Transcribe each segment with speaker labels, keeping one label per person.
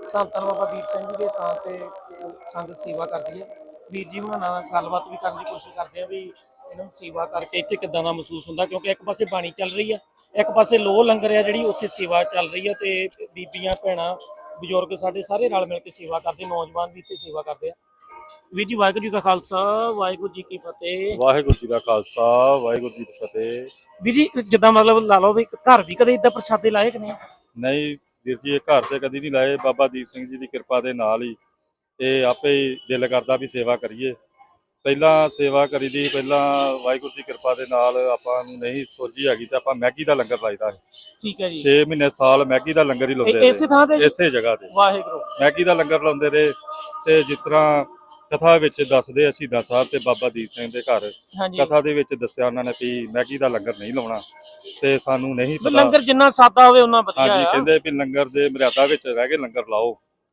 Speaker 1: ਧੰਨ ਧੰਨ ਬਾਬਾ ਦੀਪ ਸਿੰਘ ਜੀ ਦੇ ਸਥਾਨ ਤੇ ਸੰਗਤ ਸੇਵਾ ਕਰਦੀ ਹੈ। ਵੀਰ ਜੀ ਹੁਣਾਂ ਨਾਲ ਗੱਲਬਾਤ ਵੀ ਕਰਨ ਦੀ ਕੋਸ਼ਿਸ਼ ਕਰਦੇ ਆ ਵੀ ਇਹਨਾਂ ਨੂੰ ਸੇਵਾ ਕਰਕੇ ਇੱਥੇ ਕਿੱਦਾਂ ਦਾ ਮਹਿਸੂਸ ਹੁੰਦਾ, ਕਿਉਂਕਿ ਇੱਕ ਪਾਸੇ ਬਾਣੀ ਚੱਲ ਰਹੀ ਆ, ਇੱਕ ਪਾਸੇ ਲੋਹ ਲੰਗਰ ਆ ਜਿਹੜੀ ਉੱਥੇ ਸੇਵਾ ਚੱਲ ਰਹੀ ਆ, ਤੇ ਬੀਬੀਆਂ ਭੈਣਾਂ ਬਜ਼ੁਰਗ ਸਾਡੇ ਸਾਰੇ ਰਲ ਮਿਲ ਕੇ ਸੇਵਾ ਕਰਦੇ, ਨੌਜਵਾਨ ਵੀ ਇੱਥੇ ਸੇਵਾ ਕਰਦੇ ਆ। ਵੀਰ ਜੀ ਵਾਹਿਗੁਰੂ ਜੀ ਕਾ ਖਾਲਸਾ ਵਾਹਿਗੁਰੂ ਜੀ ਕੀ ਫਤਿਹ।
Speaker 2: ਵਾਹਿਗੁਰੂ ਜੀ ਦਾ ਖਾਲਸਾ ਵਾਹਿਗੁਰੂ ਜੀ ਦੀ ਫਤਿਹ।
Speaker 1: ਵੀਰ ਜੀ ਜਿੱਦਾਂ ਮਤਲਬ ਲਾ ਲਓ ਵੀ ਘਰ ਵੀ ਕਦੇ ਇਦਾਂ ਪ੍ਰਸ਼ਾਦੇ ਲਾਏ ਕਿ ਨਹੀਂ?
Speaker 2: ਨਹੀਂ ਵੀਰ ਜੀ, ਇਹ ਘਰ ਤੇ ਕਦੀ ਨਹੀਂ ਲਾਏ। ਬਾਬਾ ਦੀਪ ਸਿੰਘ ਜੀ ਦੀ ਕਿਰਪਾ ਦੇ ਨਾਲ ਹੀ ਇਹ ਆਪੇ ਹੀ ਦਿਲ ਕਰਦਾ ਵੀ ਸੇਵਾ ਕਰੀਏ। ਪਹਿਲਾਂ ਸੇਵਾ ਕਰੀ ਦੀ, ਪਹਿਲਾਂ ਵਾਹਿਗੁਰੂ ਦੀ ਕਿਰਪਾ ਦੇ ਨਾਲ ਆਪਾਂ ਨੂੰ ਨਹੀਂ ਸੋਝੀ ਹੈਗੀ ਤੇ ਆਪਾਂ ਮੈਗੀ ਦਾ ਲੰਗਰ ਲਾਈਦਾ ਹੈ।
Speaker 1: ਠੀਕ ਹੈ ਜੀ।
Speaker 2: 6 ਮਹੀਨੇ ਸਾਲ ਮੈਗੀ ਦਾ ਲੰਗਰ ਹੀ ਲਾਉਂਦੇ ਰਹੇ,
Speaker 1: ਇਸੇ ਥਾਂ ਤੇ
Speaker 2: ਇਸੇ ਜਗ੍ਹਾ ਤੇ
Speaker 1: ਵਾਹਿਗੁਰੂ
Speaker 2: ਮੈਗੀ ਦਾ ਲੰਗਰ ਲਾਉਂਦੇ ਰਹੇ। ਤੇ ਜਿਸ ਤਰ੍ਹਾਂ ਕਥਾ ਵਿੱਚ ਦੱਸਦੇ ਆ ਸ਼ਹੀਦਾਂ ਸਾਹਿਬ ਤੇ ਬਾਬਾ ਦੀਪ ਸਿੰਘ ਦੇ ਘਰ ਕਥਾ ਦੇ ਵਿੱਚ ਦੱਸਿਆ ਉਹਨਾਂ ਨੇ ਵੀ ਮੈਗੀ ਦਾ ਲੰਗਰ ਨਹੀਂ ਲਾਉਣਾ, ਤੇ ਸਾਨੂੰ ਨਹੀਂ ਪਤਾ
Speaker 1: ਲੰਗਰ ਜਿੰਨਾ ਸਾਦਾ ਹੋਵੇ ਉਹਨਾਂ ਵਧੀਆ।
Speaker 2: ਹਾਂਜੀ, ਕਹਿੰਦੇ ਵੀ ਲੰਗਰ ਦੇ ਮਰਿਆਦਾ ਵਿੱਚ ਰਹਿ ਕੇ ਲੰਗਰ ਲਾਓ,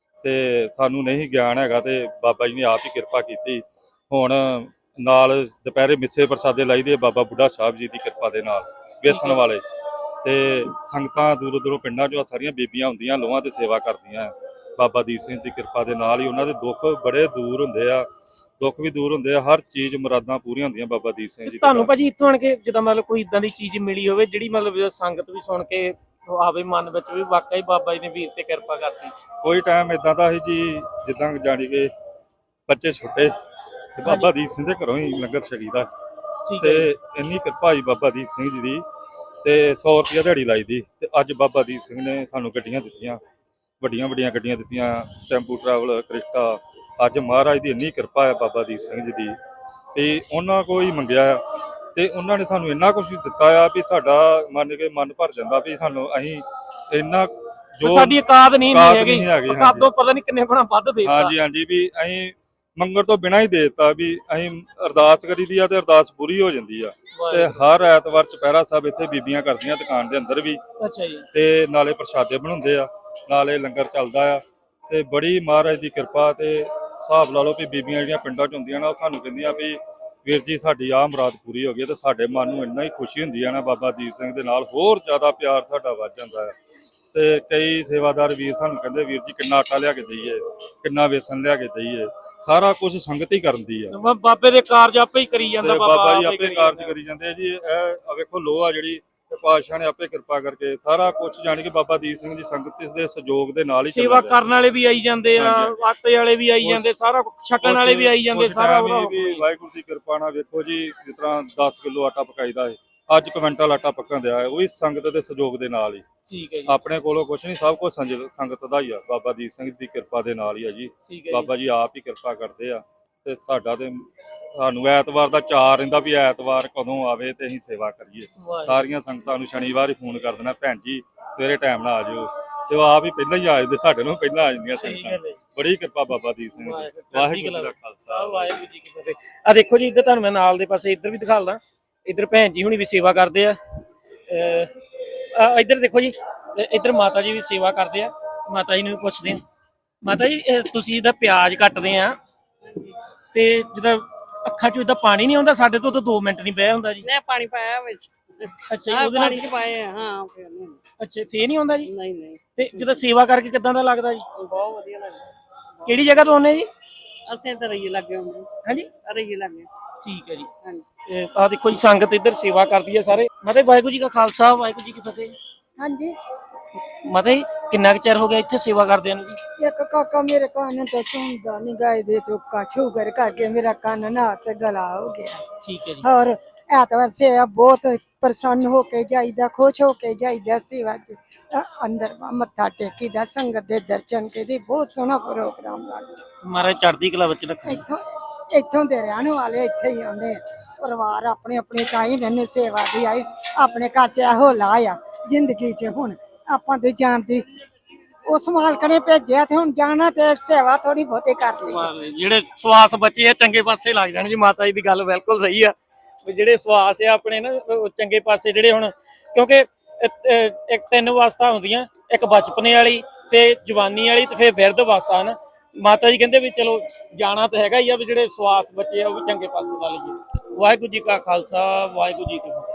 Speaker 2: ਤੇ ਸਾਨੂੰ ਨਹੀਂ ਗਿਆਨ ਹੈਗਾ ਤੇ ਬਾਬਾ ਜੀ ਨੇ ਆਪ ਹੀ ਕਿਰਪਾ ਕੀਤੀ। ਹੁਣ ਨਾਲ ਦੁਪਹਿਰੇ ਮਿੱਸੇ ਪ੍ਰਸਾਦੇ ਲਾਈਦੇ ਬਾਬਾ ਬੁੱਢਾ ਸਾਹਿਬ ਜੀ ਦੀ ਕਿਰਪਾ ਦੇ ਨਾਲ, ਵੇਸਣ ਵਾਲੇ। ਤੇ ਸੰਗਤਾਂ ਦੂਰੋਂ ਦੂਰੋਂ ਪਿੰਡਾਂ ਚੋਂ ਸਾਰੀਆਂ ਬੀਬੀਆਂ ਹੁੰਦੀਆਂ ਲੋਹਾਂ ਤੇ ਸੇਵਾ ਕਰਦੀਆਂ ਬਾਬਾ ਦੀਪ ਸਿੰਘ ਦੀ ਕਿਰਪਾ ਦੇ ਨਾਲ ਹੀ। ਉਹਨਾਂ ਦੇ ਦੁੱਖ ਬੜੇ ਦੂਰ ਹੁੰਦੇ ਆ, ਦੁੱਖ ਵੀ ਦੂਰ ਹੁੰਦੇ ਆ, ਹਰ ਚੀਜ਼ ਮੁਰਾਦਾਂ ਪੂਰੀਆਂ ਹੁੰਦੀਆਂ ਬਾਬਾ ਦੀਪ ਸਿੰਘ ਜੀ।
Speaker 1: ਤੁਹਾਨੂੰ ਭਾਜੀ ਇੱਥੋਂ ਆਣ ਕੇ ਜਿੱਦਾਂ ਮਤਲਬ ਕੋਈ ਇਦਾਂ ਦੀ ਚੀਜ਼ ਮਿਲੀ ਹੋਵੇ ਜਿਹੜੀ ਮਤਲਬ ਸੰਗਤ ਵੀ ਸੁਣ ਕੇ ਆਵੇ ਮਨ ਵਿੱਚ ਵੀ ਵਾਕਈ ਬਾਬਾ ਜੀ ਨੇ ਵੀਰ ਤੇ ਕਿਰਪਾ ਕਰਤੀ?
Speaker 2: ਕੋਈ ਟਾਈਮ ਇਦਾਂ ਦਾ ਸੀ ਜੀ ਜਿੱਦਾਂ ਜਾਣੀ ਕਿ ਬੱਚੇ ਛੋਟੇ ਤੇ ਬਾਬਾ ਦੀਪ ਸਿੰਘ ਦੇ ਘਰੋਂ ਹੀ ਲੰਗਰ ਛਕੀਦਾ, ਤੇ ਇੰਨੀ ਕਿਰਪਾ ਜੀ ਬਾਬਾ ਦੀਪ ਸਿੰਘ ਜੀ ਦੀ। ਤੇ 100 ਰੁਪਇਆ ਦਿਹਾੜੀ ਲਾਈ ਦੀ, ਤੇ ਅੱਜ ਬਾਬਾ ਦੀਪ ਸਿੰਘ ਨੇ ਸਾਨੂੰ ਗੱਡੀਆਂ ਦਿੱਤੀਆਂ, ਵੱਡੀਆਂ ਵੱਡੀਆਂ ਗੱਡੀਆਂ ਦਿੱਤੀਆਂ, ਟੈਂਪੂ ਟਰੈਵਲ, ਕ੍ਰਿਸ਼ਟਾ। ਅੱਜ ਮਹਾਰਾਜ ਦੀ ਇੰਨੀ ਕਿਰਪਾ ਹੈ ਬਾਬਾ ਦੀਪ ਸਿੰਘ ਜੀ ਦੀ, ਤੇ ਉਹਨਾਂ ਕੋਲ ਹੀ ਮੰਗਿਆ ਤੇ ਉਹਨਾਂ ਨੇ ਸਾਨੂੰ ਇੰਨਾ ਕੁਝ ਦਿੱਤਾ ਆ ਵੀ ਸਾਡਾ ਮੰਨ ਕੇ ਮਨ ਭਰ ਜਾਂਦਾ ਵੀ ਸਾਨੂੰ ਅਸੀਂ ਇੰਨਾ ਜੋ
Speaker 1: ਸਾਡੀ ਔਕਾਤ ਨਹੀਂ ਹੈਗੀ, ਔਕਾਤੋਂ ਪਤਾ ਨਹੀਂ ਕਿੰਨੇ ਬਣਾ ਵੱਧ ਦੇਤਾ।
Speaker 2: ਹਾਂਜੀ ਹਾਂਜੀ, ਵੀ ਅਸੀਂ ਮੰਗਣ ਤੋਂ ਬਿਨਾਂ ਹੀ ਦੇ ਦਿੱਤਾ ਵੀ ਅਸੀਂ ਅਰਦਾਸ ਕਰੀ ਦੀ ਆ ਤੇ ਅਰਦਾਸ ਪੂਰੀ ਹੋ ਜਾਂਦੀ ਆ। ਤੇ ਹਰ ਐਤਵਾਰ ਚੁਪਹਿਰਾ ਸਾਹਿਬ ਇੱਥੇ ਬੀਬੀਆਂ ਕਰਦੀਆਂ ਦੁਕਾਨ ਦੇ ਅੰਦਰ ਵੀ।
Speaker 1: ਅੱਛਾ ਜੀ।
Speaker 2: ਤੇ ਨਾਲੇ ਪ੍ਰਸ਼ਾਦੇ ਬਣਾਉਂਦੇ ਆ, ਨਾਲੇ ਲੰਗਰ ਚੱਲਦਾ ਆ, ਤੇ ਬੜੀ ਮਹਾਰਾਜ ਦੀ ਕਿਰਪਾ। ਤੇ ਹਿਸਾਬ ਲਾ ਲਓ ਵੀ ਬੀਬੀਆਂ ਜਿਹੜੀਆਂ ਪਿੰਡਾਂ 'ਚ ਹੁੰਦੀਆਂ ਨਾ, ਉਹ ਸਾਨੂੰ ਕਹਿੰਦੀਆਂ ਵੀ ਵੀਰ ਜੀ ਸਾਡੀ ਆਹ ਮੁਰਾਦ ਪੂਰੀ ਹੋ ਗਈ। ਤੇ ਸਾਡੇ ਮਨ ਨੂੰ ਇੰਨਾ ਹੀ ਖੁਸ਼ੀ ਹੁੰਦੀ ਆ ਨਾ ਬਾਬਾ ਦੀਪ ਸਿੰਘ ਦੇ ਨਾਲ, ਹੋਰ ਜ਼ਿਆਦਾ ਪਿਆਰ ਸਾਡਾ ਵੱਧ ਜਾਂਦਾ ਹੈ। ਤੇ ਕਈ ਸੇਵਾਦਾਰ ਵੀਰ ਸਾਨੂੰ ਕਹਿੰਦੇ ਵੀਰ ਜੀ ਕਿੰਨਾ ਆਟਾ ਲਿਆ ਕੇ ਦਈਏ, ਕਿੰਨਾ ਵੇਸਣ ਲਿਆ ਕੇ ਦਈਏ, ਸਾਰਾ ਕੁਝ ਸੰਗਤ ਹੀ ਕਰਦੀ ਆ।
Speaker 1: ਬਾਬੇ ਦੇ ਕਾਰਜ ਆਪੇ ਹੀ ਕਰੀ ਜਾਂਦਾ,
Speaker 2: ਬਾਬਾ ਜੀ ਆਪੇ ਕਾਰਜ ਕਰੀ ਜਾਂਦੇ ਜੀ। ਇਹ ਵੇਖੋ ਲੋਹ ਆ ਜਿਹੜੀ ਪਾਤਸ਼ਾਹ ਨੇ ਆਪੇ ਕਿਰਪਾ ਕਰਕੇ ਸਾਰਾ ਕੁਝ ਜਾਣ ਕੇ ਬਾਬਾ ਦੀਪ ਸਿੰਘ ਜੀ ਸੰਗਤ ਦੇ ਸਹਿਯੋਗ ਦੇ ਨਾਲ ਹੀ
Speaker 1: ਸੇਵਾ ਕਰਨ ਵਾਲੇ ਵੀ ਆਈ ਜਾਂਦੇ ਆ, ਆਟੇ ਵਾਲੇ ਵੀ ਆਈ ਜਾਂਦੇ, ਸਾਰਾ ਛਕਣ ਵਾਲੇ ਵੀ ਆਈ ਜਾਂਦੇ, ਸਾਰਾ
Speaker 2: ਵਾਹਿਗੁਰੂ ਦੀ ਕਿਰਪਾ ਨਾਲ। ਵੇਖੋ ਜੀ ਜਿਸ ਤਰ੍ਹਾਂ 10 ਕਿਲੋ ਆਟਾ ਪਕਾਈਦਾ ਹੈ, ਅੱਜ ਕੁਇੰਟਲ ਆਟਾ ਪੱਕਣ ਦਿਆ ਹੈ, ਉਹੀ ਸੰਗਤ ਦੇ ਸਹਿਯੋਗ ਦੇ ਨਾਲ ਹੀ।
Speaker 1: ਠੀਕ ਹੈ ਜੀ।
Speaker 2: ਆਪਣੇ ਕੋਲੋਂ ਕੁਝ ਨਹੀਂ, ਸਭ ਕੁਝ ਸੰਗਤ ਦਾ ਹੀ ਆ, ਬਾਬਾ ਦੀਪ ਸਿੰਘ ਦੀ ਕਿਰਪਾ ਦੇ ਨਾਲ ਹੀ ਆ ਜੀ। ਬਾਬਾ ਜੀ ਆਪ ਹੀ ਕਿਰਪਾ ਕਰਦੇ ਆ। ਤੇ ਸਾਡਾ ਤੇ ਸਾਨੂੰ ਐਤਵਾਰ ਦਾ ਚਾਅ ਰਹਿੰਦਾ ਵੀ ਐਤਵਾਰ ਕਦੋਂ ਆਵੇ ਤੇ ਅਸੀਂ ਸੇਵਾ ਕਰੀਏ। ਸਾਰੀਆਂ ਸੰਗਤਾਂ ਨੂੰ ਸ਼ਨੀਵਾਰ ਹੀ ਫੋਨ ਕਰ ਦੇਣਾ, ਭੈਣ ਜੀ ਸਵੇਰੇ ਟਾਈਮ ਨਾਲ ਆ ਜਾਓ, ਤੇ ਉਹ ਆਪ ਹੀ ਪਹਿਲਾਂ ਹੀ ਆ ਜਾਂਦੇ, ਸਾਡੇ ਨੂੰ ਪਹਿਲਾਂ ਆ ਜਾਂਦੀਆਂ ਸੰਗਤਾਂ। ਬੜੀ ਕਿਰਪਾ ਬਾਬਾ ਦੀਪ ਸਿੰਘ ਦੀ। ਵਾਹਿਗੁਰੂ ਜੀ ਦਾ ਖਾਲਸਾ ਵਾਹਿਗੁਰੂ ਜੀ ਕੀ ਫਤਿਹ।
Speaker 1: ਆ ਦੇਖੋ ਜੀ, ਇੱਧਰ ਤੁਹਾਨੂੰ ਮੈਂ ਨਾਲ ਦੇ ਪਾਸੇ ਇੱਧਰ ਵੀ ਦਿਖਾਲਦਾ, ਇੱਧਰ ਭੈਣ ਜੀ ਹੁਣੀ ਵੀ ਸੇਵਾ ਕਰਦੇ ਆ। ਇੱਧਰ ਦੇਖੋ ਜੀ, ਇੱਧਰ ਮਾਤਾ ਜੀ ਵੀ ਸੇਵਾ ਕਰਦੇ ਆ। ਮਾਤਾ ਜੀ ਨੂੰ ਵੀ ਪੁੱਛਦੇ ਆ, ਮਾਤਾ ਜੀ ਤੁਸੀਂ ਇਹਦਾ ਪਿਆਜ਼ ਕੱਟਦੇ ਆ ਤੇ ਜਿੱਦਾਂ ਅੱਖਾਂ ਚੋਂ ਇਦਾਂ ਪਾਣੀ ਨਹੀਂ ਆਉਂਦਾ? ਸਾਡੇ ਤੋਂ ਤਾਂ 2 ਮਿੰਟ ਨਹੀਂ ਬਹਿ ਹੁੰਦਾ ਜੀ।
Speaker 3: ਨਹੀਂ ਪਾਣੀ ਪਾਇਆ ਵਿੱਚ।
Speaker 1: ਅੱਛਾ, ਉਹਦੇ
Speaker 3: ਪਾਣੀ ਚ ਪਾਏ ਹਾਂ।
Speaker 1: ਅੱਛਾ, ਫੇਰ ਨਹੀਂ ਆਉਂਦਾ ਜੀ?
Speaker 3: ਨਹੀਂ ਨਹੀਂ।
Speaker 1: ਤੇ ਜਦੋਂ ਸੇਵਾ ਕਰਕੇ ਕਿੱਦਾਂ ਦਾ ਲੱਗਦਾ ਜੀ?
Speaker 3: ਬਹੁਤ ਵਧੀਆ ਲੱਗਦਾ।
Speaker 1: ਕਿਹੜੀ ਜਗ੍ਹਾ ਤੋਂ ਆਉਂਦੇ ਜੀ?
Speaker 3: ਅਸੀਂ ਤਾਂ ਰਈਏ ਲੱਗੇ ਹੁੰਦੇ।
Speaker 1: ਹਾਂਜੀ,
Speaker 3: ਰਈਏ ਲੱਗੇ।
Speaker 1: ਠੀਕ ਹੈ ਜੀ।
Speaker 3: ਹਾਂਜੀ,
Speaker 1: ਆਹ ਦੇਖੋ ਜੀ, ਸੰਗਤ ਇੱਧਰ ਸੇਵਾ ਕਰਦੀ ਹੈ ਸਾਰੇ। ਮਾਤਾ ਜੀ ਵਾਹਿਗੁਰੂ ਜੀ ਕਾ ਖਾਲਸਾ ਵਾਹਿਗੁਰੂ ਜੀ ਕੀ ਫਤਿਹ।
Speaker 4: ਹਾਂਜੀ
Speaker 1: ਮਾਤਾ ਜੀ ਕਿੰਨਾ ਕੁ ਚਿਰ ਹੋ ਗਿਆ ਇੱਥੇ ਸੇਵਾ ਕਰਦਿਆਂ ਨੂੰ ਜੀ?
Speaker 4: ਇੱਕ ਕਾਕਾ ਮੇਰੇ ਕੰਨ ਤੋਂ ਸੁਣਦਾ ਨਹੀਂ, ਗਾਇ ਦੇ ਚੁੱਕਾ ਸ਼ੂਗਰ ਕਰਕੇ ਮੇਰਾ ਕੰਨ ਨਾ ਤੇ ਗਲਾ ਹੋ ਗਿਆ।
Speaker 1: ਠੀਕ ਹੈ ਜੀ।
Speaker 4: ਔਰ ਐਤਵਾਰ ਸੇਵਾ ਬਹੁਤ ਪ੍ਰਸੰਨ ਹੋ ਕੇ ਜਾਈਦਾ, ਖੁਸ਼ ਹੋ ਕੇ ਜਾਈਦਾ। ਸੇਵਾ ਚ ਅੰਦਰ ਮੱਥਾ ਟੇਕੀਦਾ, ਸੰਗਤ ਦੇ ਦਰਸ਼ਨ ਕੀਤੀ, ਬਹੁਤ ਸੋਹਣਾ ਪ੍ਰੋਗਰਾਮ ਲੱਗਦਾ।
Speaker 1: ਮਹਾਰਾਜ ਚੜ੍ਹਦੀ ਕਲਾ ਵਿੱਚ ਰੱਖੇ।
Speaker 4: ਇੱਥੋਂ ਦੇ ਰਹਿਣ ਵਾਲੇ ਇੱਥੇ ਹੀ ਆਉਂਦੇ ਪਰਿਵਾਰ ਆਪਣੇ ਆਪਣੇ, ਤਾਂ ਹੀ ਮੈਨੂੰ ਸੇਵਾ ਦੀ ਆਈ। ਆਪਣੇ ਘਰ ਚ ਇਹੋ ਲਾਹ ਆ ਜ਼ਿੰਦਗੀ ਚ, ਹੁਣ ਆਪਾਂ ਤੇ ਜਾਣ ਦੀ ਉਸ ਮਾਲਕ ਨੇ ਭੇਜਿਆ ਤੇ ਹੁਣ ਜਾਣਾ ਤੇ ਸੇਵਾ ਥੋੜੀ ਬਹੁਤੀ ਕਰ ਲਈ।
Speaker 1: ਜਿਹੜੇ ਸਵਾਸ ਬਚੇ ਆ ਚੰਗੇ ਪਾਸੇ ਲੱਗ ਜਾਣ ਜੀ। ਮਾਤਾ ਜੀ ਦੀ ਗੱਲ ਬਿਲਕੁਲ ਸਹੀ ਆ, ਜਿਹੜੇ ਸਵਾਸ ਆ ਆਪਣੇ ਨਾ ਚੰਗੇ ਪਾਸੇ ਜਿਹੜੇ ਹੁਣ, ਕਿਉਂਕਿ ਇੱਕ 3 ਅਵਸਥਾ ਹੁੰਦੀਆਂ, ਇੱਕ ਬਚਪਨੇ ਵਾਲੀ, ਫੇਰ ਜਵਾਨੀ ਵਾਲੀ, ਤੇ ਫੇਰ ਬਿਰਧ ਅਵਸਥਾ ਨਾ। ਮਾਤਾ ਜੀ ਕਹਿੰਦੇ ਵੀ ਚਲੋ ਜਾਣਾ ਤਾਂ ਹੈਗਾ ਹੀ ਆ, ਵੀ ਜਿਹੜੇ ਸਵਾਸ ਬਚੇ ਆ ਉਹ ਵੀ ਚੰਗੇ ਪਾਸੇ ਲਾ ਲਈਏ। ਵਾਹਿਗੁਰੂ ਜੀ ਕਾ ਖਾਲਸਾ ਵਾਹਿਗੁਰੂ ਜੀ ਕੀ ਫਤਿਹ।